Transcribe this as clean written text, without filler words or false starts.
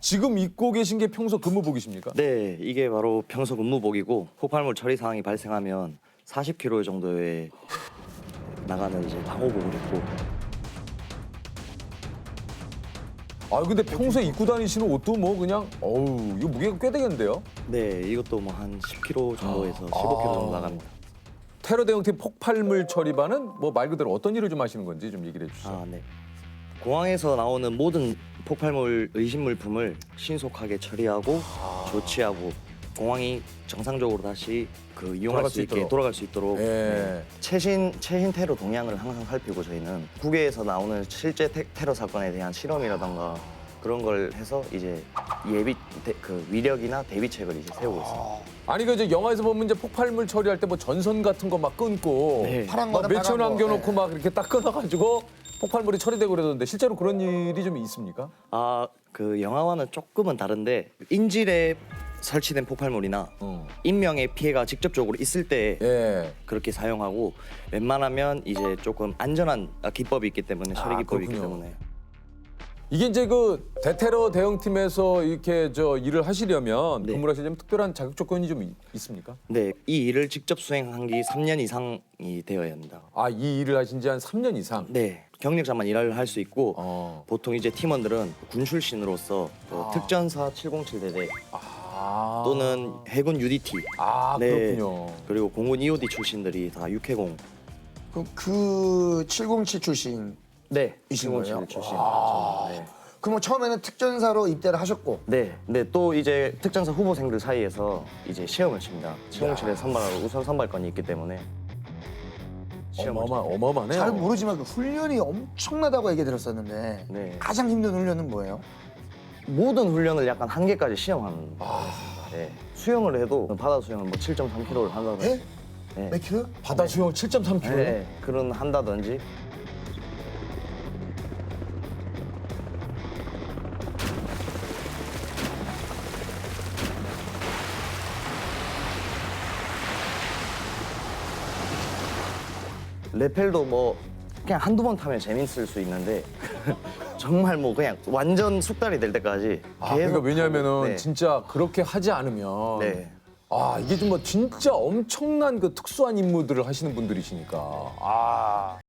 지금 입고 계신 게 평소 근무복이십니까? 네, 이게 바로 평소 근무복이고 폭발물 처리 상황이 발생하면 40km 정도에 나가는 이제 방호복을 입고. 아 근데 평소에 입고 다니시는 옷도 뭐 그냥 어우 이거 무게가 꽤 되겠는데요? 네, 이것도 뭐 한 10km 정도에서 15km 정도 나갑니다. 테러 대응팀 폭발물 처리반은 뭐 말 그대로 어떤 일을 좀 하시는 건지 좀 얘기를 해주시죠. 아, 네. 공항에서 나오는 모든 폭발물 의심 물품을 신속하게 처리하고 조치하고 공항이 정상적으로 다시 이용할 수 있게 돌아갈 수 있도록 예. 최신 테러 동향을 항상 살피고 저희는 국외에서 나오는 실제 테러 사건에 대한 실험이라던가 그런 걸 해서 이제 위력이나 대비책을 이제 세우고 있습니다. 아니 그 이제 영화에서 보면 이제 폭발물 처리할 때 뭐 전선 같은 거 막 끊고 네. 파란 막 거는 매천 파란 거. 남겨놓고 네. 막 이렇게 딱 끊어가지고 폭발물이 처리되고 그러던데 실제로 그런 일이 좀 있습니까? 그 영화와는 조금은 다른데 인질에 설치된 폭발물이나 인명의 피해가 직접적으로 있을 때 예. 그렇게 사용하고 웬만하면 이제 조금 안전한 기법이 있기 때문에 처리 기법이 있기 그렇군요. 때문에 이게 이제 그 대테러 대응팀에서 이렇게 저 일을 하시려면 네. 근무를 하시려면 특별한 자격 조건이 좀 있습니까? 네, 이 일을 직접 수행한 게 3년 이상이 되어야 합니다. 아, 이 일을 하신 지 한 3년 이상? 네, 경력자만 일을 할 수 있고 어. 보통 이제 팀원들은 군 출신으로서 특전사 707대대 아. 또는 해군 UDT 아, 네. 그렇군요. 그리고 공군 EOD 출신들이 다 육해공 그럼 그 707 출신. 네, 이신 707 거예요? 출신. 네. 그럼 처음에는 특전사로 입대를 하셨고. 네, 근데 또 이제 특전사 후보생들 사이에서 이제 시험을 칩니다. 707에 선발하고 우선 선발권이 있기 때문에 시험을 어마어마하네요. 잘 모르지만 그 훈련이 엄청나다고 얘기 들었었는데 네. 가장 힘든 훈련은 뭐예요? 모든 훈련을 약간 한계까지 시험하는 거였습니다. 네. 수영을 해도 바다 수영을 뭐 7.3km를 한다든지 예? 네. 몇 킬로? 바다 수영 7.3km? 네, 그런 한다든지 레펠도 뭐 그냥 한두 번 타면 재밌을 수 있는데 정말 뭐 그냥 완전 숙달이 될 때까지 아, 그러니까 왜냐하면은 타고, 네. 진짜 그렇게 하지 않으면 네. 아, 이게 좀 뭐 진짜 엄청난 그 특수한 임무들을 하시는 분들이시니까. 아.